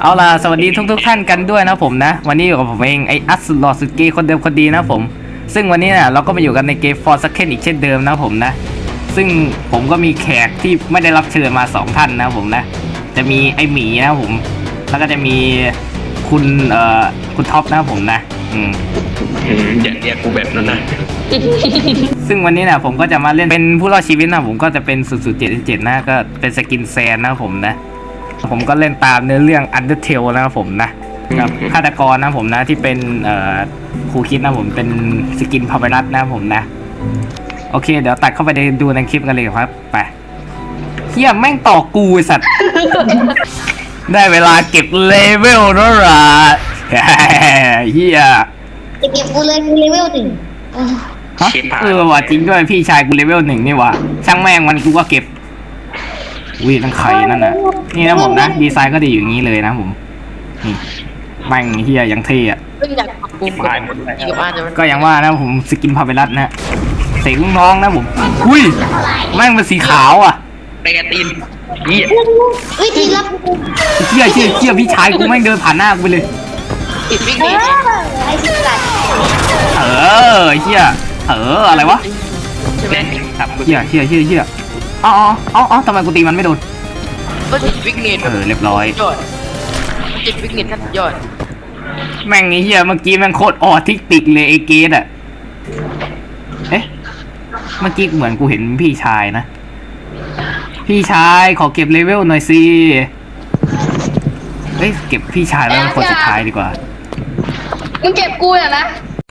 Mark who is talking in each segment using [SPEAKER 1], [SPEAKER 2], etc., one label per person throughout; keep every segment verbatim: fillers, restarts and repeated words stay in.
[SPEAKER 1] เอาล่ะสวัสดีทุกทุกท่านกันด้วยนะผมนะวันนี้อยู่กับผมเองไออัสลอสุดเกย์คนเดิมคนดีนะผมซึ่งวันนี้เนี่ยเราก็มาอยู่กันในเกม For Second อีกเช่นเดิมนะผมนะซึ่งผมก็มีแขกที่ไม่ได้รับเชิญมาสองท่านนะผมนะจะมีไอหมีนะผมแล้วก็จะมีคุณเอ่อคุณท็อปนะผมนะอืม
[SPEAKER 2] อย่าเรียกกูแบบนั้นนะ
[SPEAKER 1] ซึ่งวันนี้เนี่ยผมก็จะมาเล่นเป็นผู้รอดชีวิตนะผมก็จะเป็นศูนย์ศูนย์เจ็ดเจ็ดนะก็เป็นสกินแซนนะผมนะผมก็เล่นตามเนื้อเรื่อง Undertale นะครับผมนะกับฆาตกรนะผมนะที่เป็นเอ่อครูคิดนะผมเป็นสกินพาไปรัสนะผมนะโอเคเดี๋ยวตัดเข้าไปดูในคลิปกันเลยครับไปเฮียแม่งต่อกูไอ้สัตว์ ได้เวลาเก็บเลเวลแล้วล่ะ เฮีย
[SPEAKER 3] จะเก็บกูเลยกูเลเวลหนึ่ง
[SPEAKER 1] ฮะเออว่ะจริงด้วยพี่ชายกูเลเวลหนึ่งนี่ว่ะช่างแม่งมันกูก็เก็บวิ่งทั้งไข่นั่นน่ะนี่นะผมนะดีไซน์ก็ดีอยู่อย่างนี้เลยนะผมนี่แม่งเฮียยังเท่อะ
[SPEAKER 4] เพิ่งอยากปรับปรุงกับอีกบ้านจะ
[SPEAKER 1] ก็อย่างว่านะผมสกินพาเวลัสนะเสกลูกน้องนะผมอุ้ยแม่งเป็นสีขาวอ่ะ
[SPEAKER 2] ไปกระตีนเหี้ย
[SPEAKER 3] เฮ้ยทีรับกู
[SPEAKER 1] เชี่ยเชี่ยเชี่ยพี่ชายกูแม่งเดินผ่านหน้ากูไปเลย
[SPEAKER 4] ติดวิ่ง
[SPEAKER 3] เอ
[SPEAKER 4] หนี
[SPEAKER 3] อไอ้สิบกัด
[SPEAKER 1] เออเชี่ยเอออะไรวะ
[SPEAKER 4] ใช่ไหม
[SPEAKER 2] ครับ
[SPEAKER 1] เชี่ยเชี่ยเชี่ยเชี่ยอ๋ออ๋ออ๋อทำไมกูตีมันไม่โดน
[SPEAKER 4] ก็ติดวิ่งหนี
[SPEAKER 1] เออเรียบร้อย
[SPEAKER 4] ยอดติดวิ่งหนีท่านยอด
[SPEAKER 1] แม่งไอ้เหี้ยเมื่อกี้แม่งโคตรออทิสติกเลยไอ้เกดอะเอ๊ะเมื่อกี้เหมือนกูเห็นพี่ชายนะพี่ชายขอเก็บเลเวลหน่อยสิเฮ้ยเก็บพี่ชายแล้วเป็นคนสุดท้ายดีกว่า
[SPEAKER 5] มึงเก็บกูเนี่ยนะ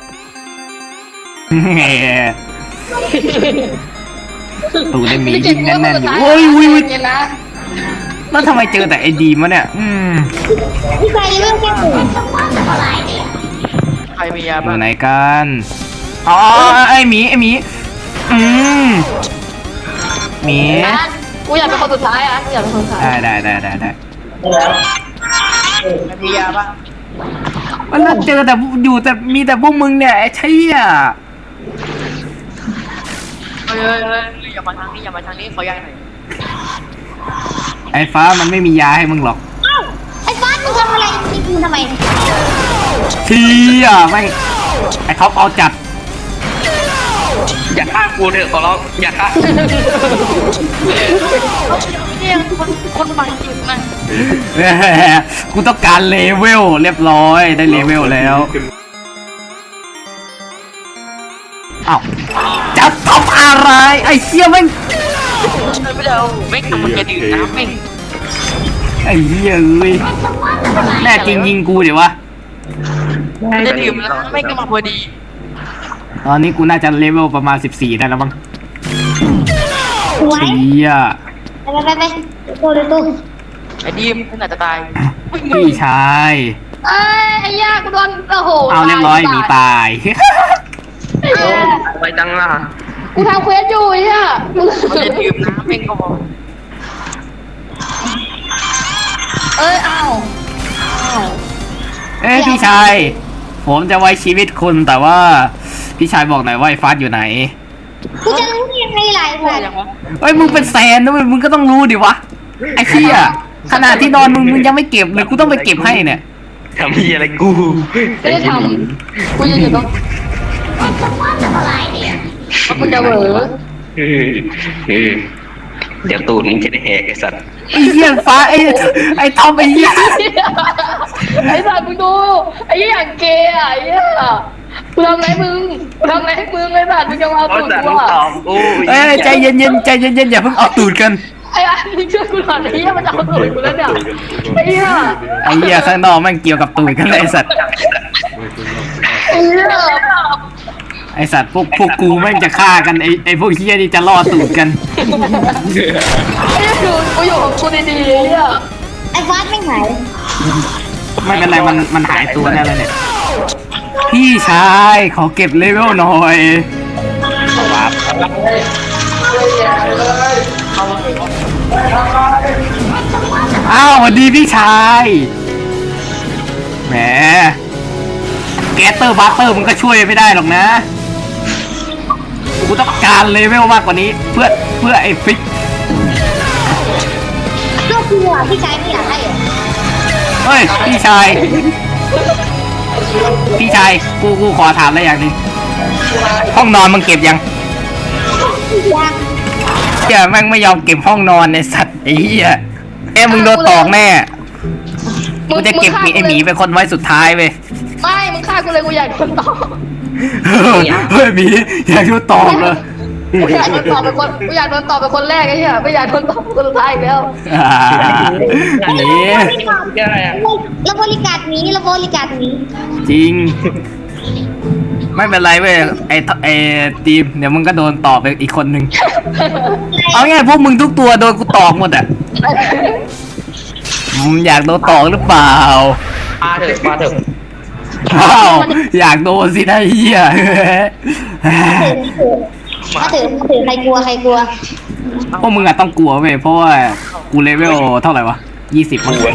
[SPEAKER 1] ตูได้หมี
[SPEAKER 5] มึงเก็
[SPEAKER 1] ยิ
[SPEAKER 5] บ
[SPEAKER 1] ง
[SPEAKER 5] กู
[SPEAKER 1] แน่นๆอยู่
[SPEAKER 5] คสุดท้า
[SPEAKER 1] โอ้ยวิว
[SPEAKER 5] เนี่ยนะ
[SPEAKER 1] แล้วทำไมเจอแต่ไอ้ดีมวะเนี่ยอืม
[SPEAKER 3] พี่ชายเลเวลแค่หนึ่ง
[SPEAKER 4] ใครมียา
[SPEAKER 1] อ
[SPEAKER 4] บ้าง
[SPEAKER 1] ยู่ไหนกันอ๋อไอ้หมีไอ้หมีอืมหมี
[SPEAKER 5] อ่ะกูอยากเป็นคนสุดท้ายอ่ะกูอยากเป็นคนสุดท้าย
[SPEAKER 1] ได้ได้ได้ได้ได้
[SPEAKER 4] ใครมียาบ้าง
[SPEAKER 1] มันแล้วเจอแต่อยู่แต่มีแต่พวกมึงเนี่ยไอ้เชี่ย
[SPEAKER 4] เฮ้ยเฮ้ยเฮ้ยอย่ามาทางนี้อย่ามาทางนี้ขอยาหน่อย
[SPEAKER 1] ไอ้ฟ้ามันไม่มียาให้มึงหรอก
[SPEAKER 3] เอ้าไอ้ฟ้ามึงทำอะไรนี่มึงทำไม
[SPEAKER 1] เชี่ยไม่งไอ้ท็อปเอาจัด
[SPEAKER 2] อย่าฆ่ากูเถอะขอร้องอย่าฆ่า
[SPEAKER 4] เนี่ยคนคนบางจริงนะ
[SPEAKER 1] แหมกูต้องการเลเวลเรียบร้อยได้เลเวลแล้วอ้าวจะทำอะไรไอ้เชี่ยแม่ง
[SPEAKER 4] ไม่ได้เอาไม่ทำมันจะดื่มน้ำไม่
[SPEAKER 1] ไอ้เหี้ยเอ้ยแน่จริงยิงกูเดี๋ยววะ
[SPEAKER 4] จะดื่มน้ำไม่ก็มาพอดี
[SPEAKER 1] ตอนนี้กูน่าจะเลเวลประมาณสิบสี่ได้แล้วมั้ง
[SPEAKER 3] สวย
[SPEAKER 1] เชี่ย
[SPEAKER 3] ไปไปไปไปตัวเลยตัว
[SPEAKER 4] ไอ้ดีมขนาดจะตาย
[SPEAKER 1] พี่ชาย
[SPEAKER 5] เอ้ยไอ้ย่ากูโดนโอ้โห
[SPEAKER 1] เอาเรียบร้อยหมีตาย
[SPEAKER 5] ไอ้เหี้ย
[SPEAKER 2] ไปจังล่ะ
[SPEAKER 5] กูทำเควสอยู่ไอ้ย่ามึง
[SPEAKER 4] มันจะดื่มน้ำไม่ก็พอ
[SPEAKER 5] เอ้ยอ้าวอ้าว
[SPEAKER 1] เอ้ยพี่ชาย ผมจะไว้ชีวิตคุณแต่ว่า พี่ชายบอกหน่อยว่าไอ้ฟาสอยู่ไหน
[SPEAKER 3] กูจะรู้ได้ยังไงล่ะไอ้
[SPEAKER 4] พอ
[SPEAKER 3] สัต
[SPEAKER 4] ยัง
[SPEAKER 3] ว์
[SPEAKER 4] วะ
[SPEAKER 1] เฮ้ยมึงเป็นแสนนะเว้ยมึงก็ต้องรู้ดิวะไอ้เหี้ยขนาดที่นอนมึงมึงยังไม่เก็บเลยกูต้องไปเก็บให้เนี่ย
[SPEAKER 2] ทำเหี้ยอะไรกู
[SPEAKER 5] ไม่ได้ทำกูจะอยู่ตรงแล้วกูจะเหวอ
[SPEAKER 2] เออเออเดี๋ยวตูดมึงจะได้แหกไอ้สัตว์
[SPEAKER 1] ไอ้เหี้ยฟ้าไอ้ไอ้ทอมไอ้เหี้ย
[SPEAKER 5] ไอ้สัตว์มึงดูไอ้เหี้ยอย่างเกย์อ่ะไอ้เหี้ยกูทำไรมึงกูทำไรให้มึงไอ้สัตว์มึงจะมา
[SPEAKER 2] เพราะ
[SPEAKER 5] ตูด
[SPEAKER 2] สัตว์
[SPEAKER 5] กู
[SPEAKER 2] มึง
[SPEAKER 5] อ่ะ
[SPEAKER 2] ตอบกู
[SPEAKER 1] เอ้ยใจเย็นๆใจเย็นๆอย่าเพิ่งเอาตูดกัน
[SPEAKER 5] ไอ้อันนี้ช่วยกูหน่อยไอ้เหี้ยมันจะเอาตูดกูแล้วเนี่ยไอ้เหี้ย
[SPEAKER 1] ไอ้เหี้ยข้างนอกแม่งเกี่ยวกับตูดกันเลยไอ้สัตว์
[SPEAKER 5] ไอ้เหี้ย
[SPEAKER 1] ไอ้สัตว์พวกพวกกูแม่งจะฆ่ากันไอ้ไอ้พวกเหี้ยนี่จะล่อตูดกัน
[SPEAKER 5] ไอ้เหี้ยดูกูอยู่ของกูดีๆไอ้เหี้ย
[SPEAKER 3] ไอ้ฟ้าไม่หาย
[SPEAKER 1] ไม่เป็นไรมันมันหายตัวแน่เลยเนี่ยพี่ชายขอเก็บเลเวลหน่อยครับอ้าวสวัสดีพี่ชายแหมแกสเตอร์บัตเตอร์มึงก็ช่วยไม่ได้หรอกนะกูต้องการเลเวลมากกว่านี้เพื่อเพื่อไอ้ฟิก
[SPEAKER 3] ก็คืออ่ะพี่ชายไม่อยากให้เหรอ
[SPEAKER 1] เฮ้ยพี่ชาย พี่ชายกูกูขอถามอะไรอย่างหนึงห้องนอนมึงเก็บยัง
[SPEAKER 3] ยัง
[SPEAKER 1] เหี้ยแม่งไม่ยอมเก็บห้องนอนในสัตว์ไอ้เหี้ยเอ้มึงโดนตอกแน่กูจะเก็บหมีไอหมีเป็นคนไว้สุดท้ายเว้ย
[SPEAKER 5] ไม่มึงฆ่ากูเลยกูอยากโดนต่อ
[SPEAKER 1] เฮ้ยหมีอยากโดนตอกเลย
[SPEAKER 5] กูอยากโดนต่อเป็นคนกูอยากโดนต่อเป็นคนแรกไอ้เหี้ยไม่อยากโดนต่อเป็นคนสุดท้ายอีกแล้ว
[SPEAKER 1] อ่าหมี
[SPEAKER 3] เราบริการหมีเราบริการหมี
[SPEAKER 1] จริง ไม่เป็นไรเว้ยไอไอทีมเดี๋ยวมึงก็โดนตอกไปอีกคนนึงเอาง่ายพวกมึงทุกตัวโดนกูตอกหมดอ่ะมึงอยากโดนตอกหรือเปล่า
[SPEAKER 2] มาเถอะมาเถอะ
[SPEAKER 1] อ้าวอยากโดนสินะเฮีย
[SPEAKER 3] มาถือมาถือใครกลัวใครกลัว
[SPEAKER 1] พวกมึงอะต้องกลัวเว้ยเพราะว่ากูเลเวลเท่าไหร่วะยี่สิบมั้ง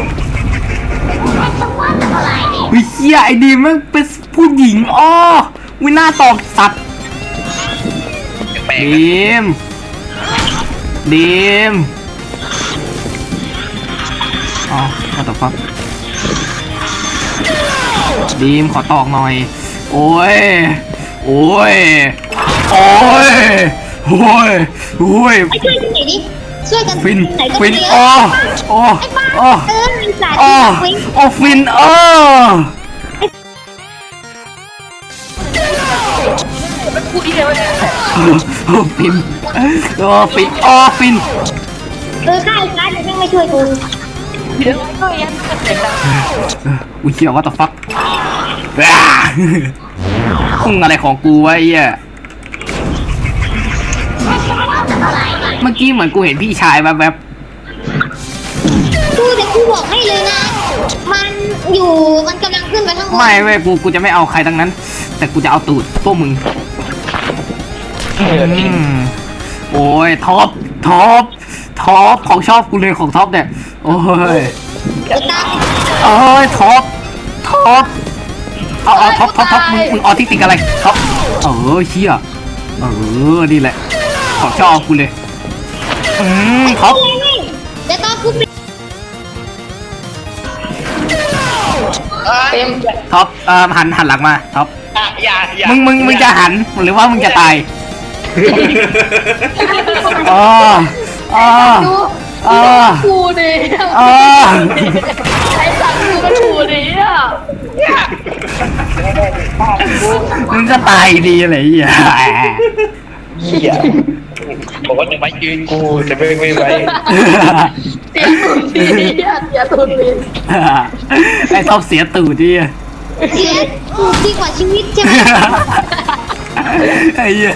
[SPEAKER 1] วิเฮียไอ้ดีมมันเป็นผู้หญิงอ้อวิน่าตอกสัตว์
[SPEAKER 2] แปลก
[SPEAKER 1] ดีมดีมอ๋อมาตอกฟักดีมขอตอกหน่อยโอ้ยโอ้ยโอ้ยโอ้ยโอ้ย
[SPEAKER 3] ไอ้ช่วยกันไหนดิช่วยกัน
[SPEAKER 1] ฟิน
[SPEAKER 3] ไหนก็
[SPEAKER 1] ฟิน
[SPEAKER 3] ไม่เย
[SPEAKER 1] โอ้
[SPEAKER 3] อะ
[SPEAKER 1] โอ้
[SPEAKER 3] ไอ้บ้า
[SPEAKER 1] โอ้
[SPEAKER 3] เออมีสาร
[SPEAKER 1] โอ้
[SPEAKER 3] ฟิน
[SPEAKER 1] โอ้ฟินโอ้
[SPEAKER 4] พูดที่เดียวเนี่ย
[SPEAKER 1] โอ้ฟินโอ้ฟินโอ้ฟิน
[SPEAKER 3] เออข้าไอ้ฟ้าเดี๋ยวแม่งไม่ช่วยกู
[SPEAKER 4] เดี๋ยวก็ยังเสียงดัง
[SPEAKER 1] อุ้ยเชี่ยว่าต่อฟักพุ่งอะไรของกูวะไอ้เหี้ยเมื่อกี้เหมือนกูเห็นพี่ชายแบบแบบ
[SPEAKER 3] กูแต่กูบอกให้เลยนะ มันอยู่มันกำลังขึ้นไปข้างบน
[SPEAKER 1] ไม่เว้ยกูกูจะไม่เอาใครทั้งนั้น แต่กูจะเอาตูดพวกมึงอืมโอ้ยท็อปท็อปท็อปของชอบกูเลยของท็อปเนี่ยโอ้ย
[SPEAKER 3] ไอ้ตา
[SPEAKER 1] โอ้ยท็อปท็อปเอาเอาท็อปท็อปท็อปมึงมึงออทิสติกอะไรท็อปเออเชี่ยเออนี่แหละของชอบกูเลยอืมท็อป
[SPEAKER 3] เดี๋ยวตอนกูปิด
[SPEAKER 5] เต็ม
[SPEAKER 1] ท็อปเอ่อหันหันหลังมาท็อป
[SPEAKER 2] อย่าอย่า
[SPEAKER 1] มึงมึงมึงจะหันหรือว่ามึงจะตายอ๋ออ๋อ
[SPEAKER 5] ดู
[SPEAKER 1] อ๋อ
[SPEAKER 5] กูดิ
[SPEAKER 1] อ๋อ
[SPEAKER 5] ไอ้สัตว์กูก็ถูดิอ่ะ
[SPEAKER 1] มึงก็ตายดีอะไรอย่างเงี้ย
[SPEAKER 2] อย่าบอกว่าจะไม่ยืนกูจะไม่ไม่ไว้
[SPEAKER 5] เสียตุนดิอ่ะเสียตุนดิ
[SPEAKER 1] ไอ้ท็อปเสียตูดดิ
[SPEAKER 3] เสียกูดีกว่าชีวิตใช่ไหม
[SPEAKER 1] ไอ้เหี้ย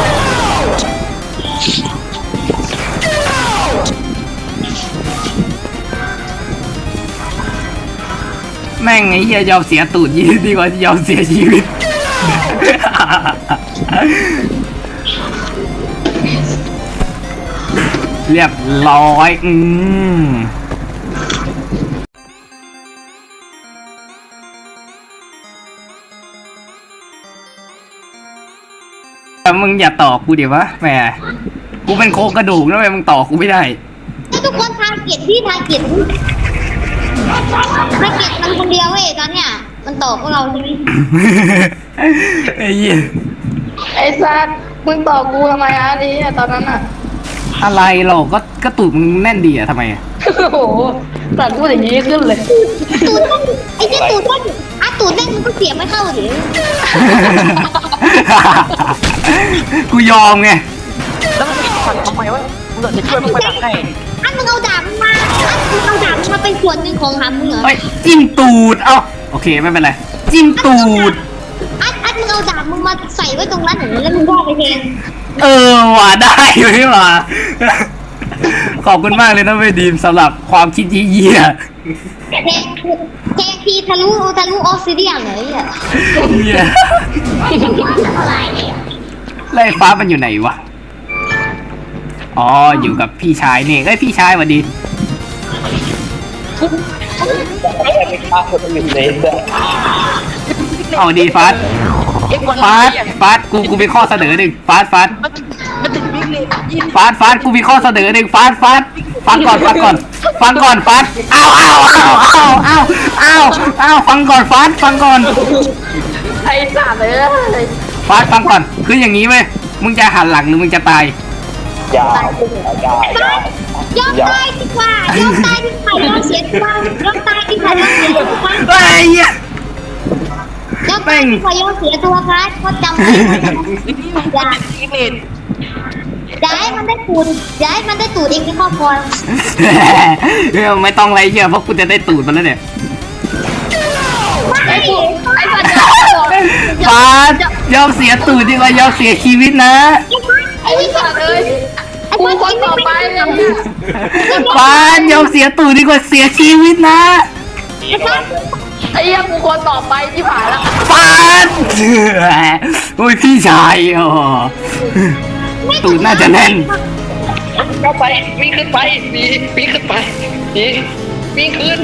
[SPEAKER 1] แม่งไอ้เหี้ยยอมเสียตูดยี่ดีกว่ายอมเสียชีวิต เรียบร้อยอืมแต่มึงอย่าต่อกูเดี๋ยววะแหมกูเป็นโครงกระดูกนะเว้ยมึงต่อกูไม่ได้
[SPEAKER 3] ให้ทุกคนทาเกียรติพี่ทาเกียรติทาเกียรติมันคนเดียวเว้ยตอนเนี้ยมันตอบพวกเราใช่ไหม
[SPEAKER 1] ไอ้เหี้ย
[SPEAKER 5] ไอ้สัตว์มึงต่อกูทำไมอ่ะนี่ตอนนั้นอ่ะ
[SPEAKER 1] อะไรหรอกก็ก็ตูดมึงแน่นดีอะทำไมอะ
[SPEAKER 5] โอ้โหสัตว์พูดอย่างนี้ขึ้นเลย
[SPEAKER 3] ตูดมันไอ้เจ้าตูดมันอ่ะตูดเล่นมันก็เสียไม่เข้าดิ
[SPEAKER 1] กูยอมไง
[SPEAKER 4] แล้วมันปิดฟันทำไมวะมึงจะช่วยมึงไปดักให้
[SPEAKER 3] อันมึงเอาดาบมึงมาอันมึงเอาดาบมึงมาเป็นส่วนหนึ่งของหามึงเหรอ
[SPEAKER 1] เอ้ยจิ้มตูดเอ้าโอเคไม่เป็นไรจิ้มตูด
[SPEAKER 3] อันอันมึงเอาดาบมึงมาใส่ไว้ตรงนั้นเหรอแล้วมึงว่าไปเอง
[SPEAKER 1] เออว่ะได้อยู่นี่หว่าขอบคุณมากเลยนะเวยดีมสำหรับความคิดเยี่ย
[SPEAKER 3] แทงแทงทีทะลุทะลุออสซิเดียนเลยอ่ะ
[SPEAKER 1] เยี่ยไล่ฟ้ามันอยู่ไหนวะอ๋ออยู่กับพี่ชายนี่เอ้ยพี่ชายสวัสดี เอาดีฟาส
[SPEAKER 4] เอ็กวัน
[SPEAKER 1] ฟาสฟาสกูกูมีข้อเสนอหนึ่งฟาสฟาส
[SPEAKER 4] มันมันติดวิ่งเลยยิน
[SPEAKER 1] ฟาสฟาสกูมีข้อเสนอหนึ่งฟาสฟาสฟฟังก่อนฟังก่อนฟังก่อนฟังอ้าวอ้าวอ้าวอ้าวอ้าวอ้าวอ้าวฟังก่อนฟังฟังก่อน
[SPEAKER 5] ไอ้สัตว์เลย
[SPEAKER 1] ฟังฟังก่อนคืออย่างนี้เว้ยมึงจะหันหลังหรือมึงจะตาย
[SPEAKER 3] ยอมตายดีกว่ายอมตายดีกว่ายอมเสียดีกว่ายอมตายดีกว่ายอมเสียดีกว่า
[SPEAKER 1] ไอ้เหี้ย
[SPEAKER 3] ยอมตายดีกว่ายอมเสียตัวครับเขาจำไว้อย่า
[SPEAKER 4] อีเมน
[SPEAKER 3] อย่าให้มันได้ตูดอย่าให้มันได้ตูดเองในครอบครัว
[SPEAKER 1] ไม่ต้องอะไรเหี้ยเพราะกูจะได้ตูดมันแล้วเนี่ย
[SPEAKER 5] ไอ้กูไอ้สัตว์
[SPEAKER 1] ฟาดยอมเสียตูดดีกว่ายอมเสียชีวิตนะ
[SPEAKER 5] ไอ้สัตว์เลยกูคนต่อไปเลย
[SPEAKER 1] ฟาดยอมเสียตูดดีกว่าเสียชีวิตนะ
[SPEAKER 5] ไอ้เหี้ยกูคนต่อไปที่ผ่านแล้ว
[SPEAKER 1] ฟาดโอ้ยพี่ชายอ๋อตูดน่าจะแน่น
[SPEAKER 2] เข้าไปวิ่งขึ้นไปหนีวิ่งขึ้นไปหนีวิ่งขึ้น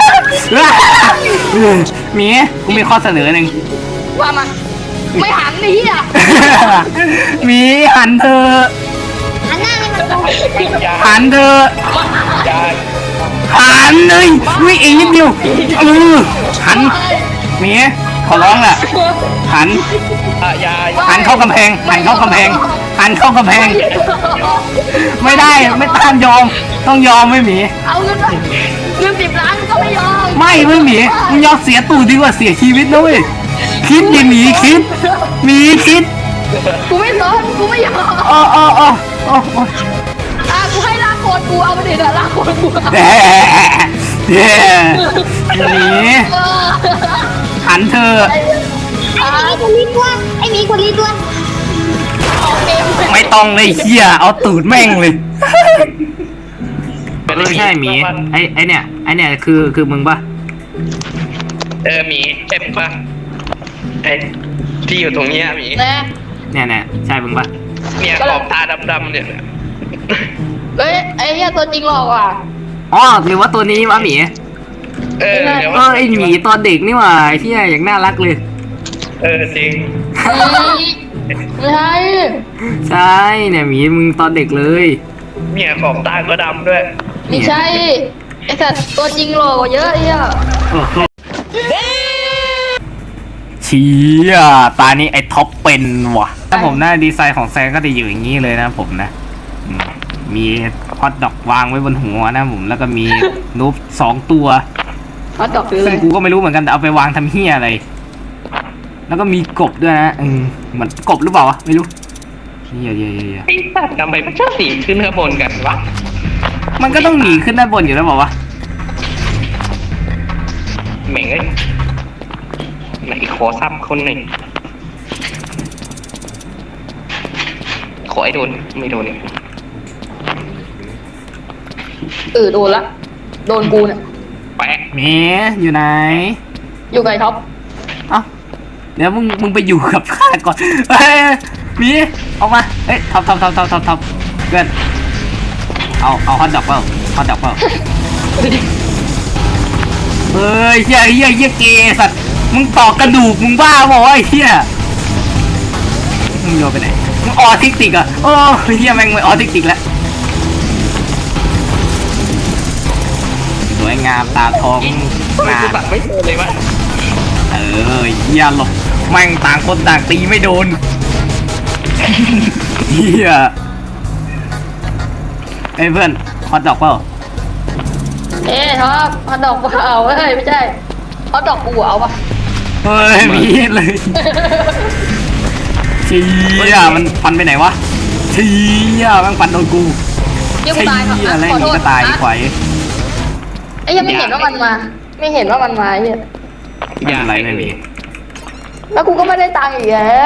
[SPEAKER 1] หมีกูมีข้อเสนอหนึ่ง
[SPEAKER 5] ว่ามาไม่หันไอ้เหี้ย
[SPEAKER 1] หมีหันเธอะ
[SPEAKER 3] หันหน้าให้มันตรง
[SPEAKER 2] อย่า
[SPEAKER 1] หันเธอะ
[SPEAKER 2] อย่า
[SPEAKER 1] หันเลยวิ่งอีกนิดเดียวเออหันหมีขอร้องแหละหัน
[SPEAKER 2] อย่า
[SPEAKER 1] หันเข้ากำแพงหันเข้ากำแพงหันเข้ากำแพง ไม่ได้ไม่ต้านยอมต้องยอมไม่หมี
[SPEAKER 5] เอาเงินไปเงินสิบล้านก็ไม่ยอม
[SPEAKER 1] ไม่ไม่หมีมึงยอมเสียตูดดีกว่าเสียชีวิตนะเว้ยคิดดิหมีคิดหมีคิด
[SPEAKER 5] กูไม่สนกูไม่ยอม
[SPEAKER 1] อ๋ออ๋ออ๋ออ๋อ
[SPEAKER 5] อ่ะกูให้ลากโคตรกูเอาไปดิเถอะลากโคตรกู
[SPEAKER 1] แย่แย่หมี
[SPEAKER 5] เออ
[SPEAKER 1] หันเธอะ
[SPEAKER 3] ไอ้หมีคนนี้ตัวไอ้หมีคนนี้ตัว
[SPEAKER 5] ออกเกมเลย
[SPEAKER 1] ไม่ต้องเลยเฮียเอาตูดแม่งเลยไม่ใช่หมีไอไอเนี่ยไอเนี่ยคือคือมึงปะ
[SPEAKER 2] เออหมีเจ็บปะไอ้ที่อยู่ตรงเนี้ยหมี
[SPEAKER 5] นะ
[SPEAKER 1] เนี่ยเนี่ยใช่มึงปะ
[SPEAKER 2] เนี่ยขอบตาดำๆเนี่ย
[SPEAKER 5] เฮ้ยไอ้เหี้ยตัวจริงหลอกว่ะ
[SPEAKER 1] อ๋อหรือว่าตัวนี้วะหมี
[SPEAKER 2] เออเดี๋ยว
[SPEAKER 1] เออไอหมีตอนเด็กนี่หว่าเฮียอย่างน่ารักเลย
[SPEAKER 2] เออจริง
[SPEAKER 5] ไม่ใช่
[SPEAKER 1] ใช่เนี่ยหมีมึงตอนเด็กเลย
[SPEAKER 2] เนี่ยขอบตาก็ดำด้วย
[SPEAKER 5] ไม่ใช่ไอ้สัตว์ตัวจริงหลอกกว่าเยอะไอ้เหี้ย
[SPEAKER 1] โอ้โหเชี้ยตานี้ไอ้ท็อปเป็นว่ะถ้าผมหน้าดีไซน์ของแซงก็จะอยู่อย่างนี้เลยนะผมนะอืมมีฮอตดอกวางไว้บนหัวนะผมแล้วก็มีนูบสองตัว
[SPEAKER 5] เขาดอกคืออะ
[SPEAKER 1] ซึ่
[SPEAKER 5] ไรง
[SPEAKER 1] กูก็ไม่รู้เหมือนกันแต่เอาไปวางทำเฮียอะไร แล้วก็มีกบด้วยนะอืมเหมือนกบหรือเปล่าวะไม่รู้เฮียเฮียเฮีย
[SPEAKER 2] ไอ้สัตว์ทำไมมันชอบสีขึ้นข้างบนกันวะ
[SPEAKER 1] มันก็ต้องหนีขึ้นด้านบนอยู่แล้วเปล่าวะ
[SPEAKER 2] เหม่งเอ้ยไหนขอซ้ำคนหนึ่งขอไอ้โดนไม่โดนเนี่ย
[SPEAKER 5] เออโดนละโดนกูเนี่ย
[SPEAKER 2] แปะ
[SPEAKER 1] เมีอยู่ไหน
[SPEAKER 5] อยู่กับไอ้ท็อป
[SPEAKER 1] เอ้าเดี๋ยวมึงมึงไปอยู่กับข้าก่อนเฮ้ยหมีออกมาเฮ้ยท็อปท็อปท็อปท็อปท็อปท็อปเพื่อนเอาเอาฮอตดอกเปล่าฮอตดอกเปล่าเฮ้ยเฮียเฮียเฮียเกย์สัตว์มึงต่อกระดูกมึงบ้าเปล่าวะไอ้เฮียมึงโยนไปไหนมึงออทิสติกอ่ะโอ้เฮียแม่งไม่ออทิสติกแล้วสวยงามตาทอง
[SPEAKER 2] ทำไม
[SPEAKER 1] งา
[SPEAKER 2] กู
[SPEAKER 1] ม
[SPEAKER 2] ตัดไม่โดนเลยวะ
[SPEAKER 1] เออเฮียหลบแม่งต่างคนต่างตีไม่โดนเฮียเอ้ยเพื่อนฮอตดอกเปล่า
[SPEAKER 5] เอ้ท็อปฮอตดอกเปล่าเฮ้ยไม่ใช่ฮอตดอกกูเอาปะ
[SPEAKER 1] เฮ้ยมีเลยเชี่ยมันฟันไปไหนวะเชี่ยแม่งฟันโดนกู
[SPEAKER 5] เดี๋ยวกู
[SPEAKER 1] เชี่
[SPEAKER 5] ตายครับ
[SPEAKER 1] ยอะไร
[SPEAKER 5] ขอโท
[SPEAKER 1] นี่
[SPEAKER 5] ษ
[SPEAKER 1] ก็ตาย
[SPEAKER 5] นะ
[SPEAKER 1] ไขว
[SPEAKER 5] ไอ้ยังไม่เห็นว่ามันมา ไม่เห็นว่ามันมาไอ้เหี้ย
[SPEAKER 1] ไม่เป็นไรไม่มี
[SPEAKER 5] แล้วกูก็ไม่ได้ตังค์อีกแล้ว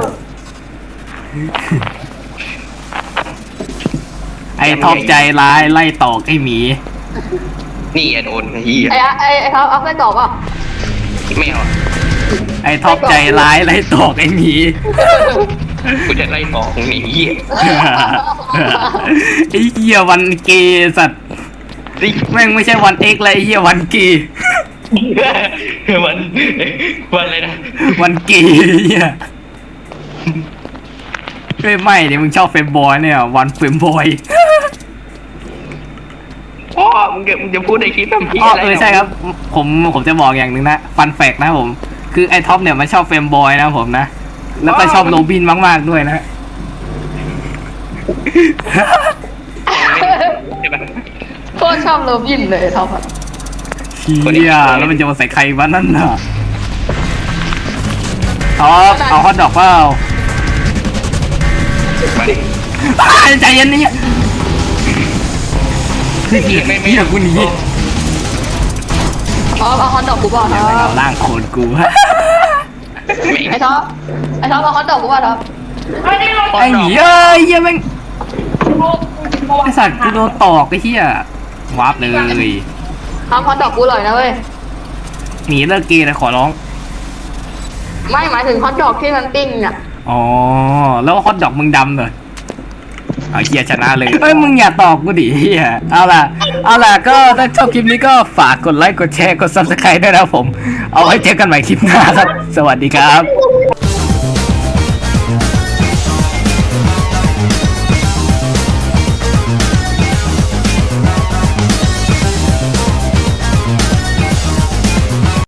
[SPEAKER 1] ไอ้ท็อปใจร้ายไล่ตอกไอ้หมี
[SPEAKER 2] นี่อย่าโดนเฮีย
[SPEAKER 5] ไอ้ไอ้ไอ้ท็อปเอาไส้กรอกเปล่ะ
[SPEAKER 2] ไม่เอา
[SPEAKER 1] ไอ้ท็อปใจร้ายไล่ตอกไอ้หมี
[SPEAKER 2] กูจะไล่ต่อของหนีเฮีย
[SPEAKER 1] ไอ้เหี้ยวันเกย์สัตว์
[SPEAKER 2] สิ
[SPEAKER 1] แม่งไม่ใช่วันเอ็กซ์เลยไอ้เหี้ยวันเกย์
[SPEAKER 2] วันวันอะไรนะ
[SPEAKER 1] วันเกย์เหี้ยเฮ้ยไม่เดี๋ยวมึงชอบเฟมบอยเนี่ยวันเฟมบอย
[SPEAKER 2] มึงจะมึงจะพูดในคลิปทำพี่
[SPEAKER 1] อ๋อ
[SPEAKER 2] อะไร
[SPEAKER 1] เออใช่ครับ ผมผมจะบอกอย่างหนึ่งนะฟันแฟกนะครับผม คือไอ้ท็อปเนี่ยมันชอบเฟรมบอยนะครับผมนะ แล้วก็ชอบโรบินมากๆด้วยนะ
[SPEAKER 2] ใช่ปะ
[SPEAKER 5] โคตรชอบโรบินเลยท็อปอะ
[SPEAKER 1] เฮียแล้วมันจะมาใส่ใครวะนั่นน่ะท็อปเอาฮอตดอกเปล่า
[SPEAKER 2] มาดิ
[SPEAKER 1] อ้ายใจเย็นนี่คือเฮีย
[SPEAKER 2] ไม่ไม่
[SPEAKER 1] เฮียกูหนี
[SPEAKER 5] ท็อปเอาฮอตดอกกูบอกท็อ
[SPEAKER 1] เอา
[SPEAKER 5] ป
[SPEAKER 1] ล่างโคนกู
[SPEAKER 2] ไม่
[SPEAKER 5] ไอ้ท็อปไอ้ท็อปเอาฮอตดอกกูบอกท็อป
[SPEAKER 1] ไอ้เหี้ยเอ้ยเหี้ยแม่งไอ้สัตว์กูโดนตอกไอ้เหี้ยวาร์ปเลย
[SPEAKER 5] ทำฮอตดอกกูเลยนะเว้ย
[SPEAKER 1] หนีเลิกเกย์นะขอร้อง
[SPEAKER 5] ไม่หมายถึงฮอตดอกที่มันปิ้งอ่ะ
[SPEAKER 1] อ๋อ แล้วฮอตดอกมึงดำเลยเอาเฮียชนะเลยเอ้ยมึงอย่าตอกกูดิเฮียเอาล่ะ เอาล่ะก็ถ้าชอบคลิปนี้ก็ฝากกดไลค์กดแชร์กดซับสไครต์ด้วยนะครับผม เอาไว้เจอกันใหม่คลิปหน้าครับ สวัสดีครับ
[SPEAKER 3] กู